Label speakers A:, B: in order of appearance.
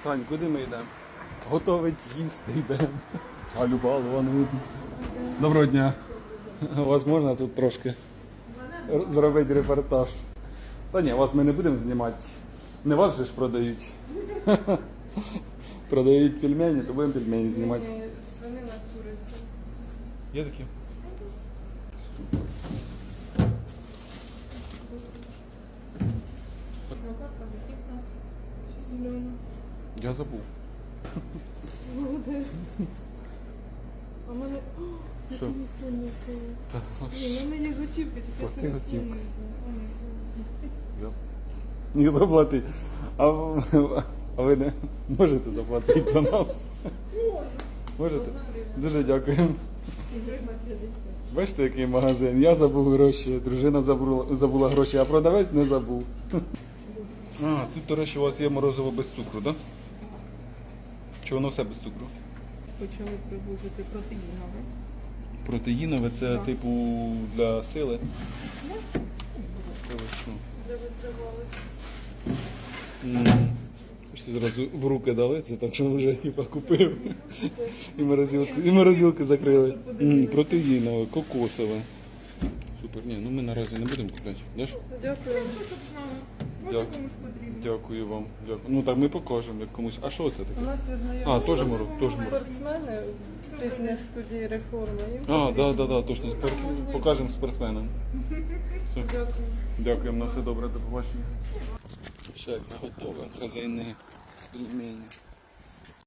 A: Тань, куди ми йдемо? Готовить їсти йдемо. А Любалова не видно. Доброго дня. У вас можна тут трошки зробити репортаж? Та ні, вас ми не будемо знімати. Не вас же ж продають. Продають пельмені, то будемо пельмені знімати.
B: Свинина, куриця.
A: Є такі?
B: Шмакатка, вихідна, зелена.
A: Я забув.
B: Молодець. А в мене... О,
A: Що?
B: я ніхто не взяла.
A: Та,
B: Ні, в мене є готівки,
A: Плати
B: таке
A: готівку.
B: взяла.
A: ніхто платить. А ви не можете заплатити за нас? Можете? Дуже дякуємо. Бачите, який магазин? Я забув гроші, дружина забула гроші, а продавець не забув. А, тут, до речі, у вас є морозиво без цукру, так? Да? Чи воно все без цукру?
B: Почали привозити протеїнове.
A: Протеїнове це типу для сили?
B: Де витривалося.
A: Що зразу в руки дали, це так, що вже типу, купив. І морозилку закрили. Протеїнове, кокосове. Супер. Ні, ну ми наразі не будемо купляти. Даш?
B: Дякую.
A: Дякую. Дякую вам. Дякую. Ну так ми покажемо як комусь. А що це
B: У
A: таке?
B: нас є знайомі
A: А, теж мороз, теж мороз.
B: спортсмени в фітнес-студії реформи.
A: А, да, точно. Покажемо спортсменам. Все.
B: Дякую.
A: Дякуємо, на все добре, до побачення. Ще готове, хазяйне пельмені.